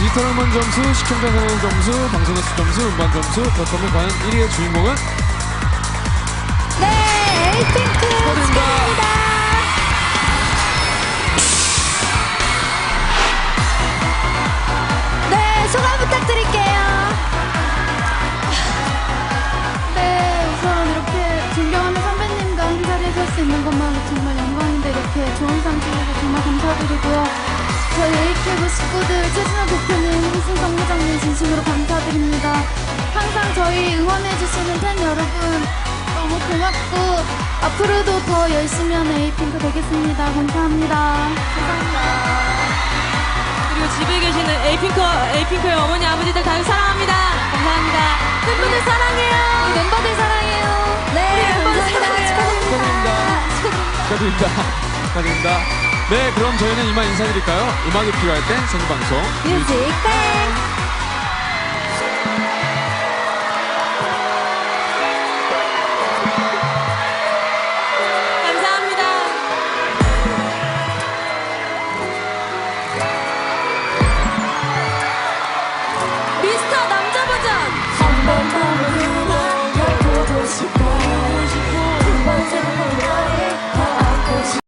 디지털 음원 점수, 시청자 상영 점수, 방송 횟수 점수, 음반 점수. 그렇다면 과연 1위의 주인공은? 네, 에이핑크 축하드립니다. 네, 소감 부탁드릴게요. 네, 우선 이렇게 존경하는 선배님과 한 자리에서 할 수 있는 것만으로 정말 영광인데 이렇게 좋은 상 주셔서 정말 감사드리고요. 저희 에이큐브 식구들 최진호 대표님, 이승성 회장님 진심으로 감사드립니다. 항상 저희 응원해주시는 팬 여러분 너무 고맙고 앞으로도 더 열심히 하는 에이핑크 되겠습니다. 감사합니다. 감사합니다. 그리고 집에 계시는 에이핑크의 어머니 아버지들 다들 사랑합니다. 감사합니다. 팬분들 사랑해요. 우리 멤버들 사랑해요. 네, 감사합니다. 축하드립니다. 축하드립니다. 네, 그럼 저희는 이만 인사드릴까요? 음악이 필요할 땐 생방송 뮤직 뱅.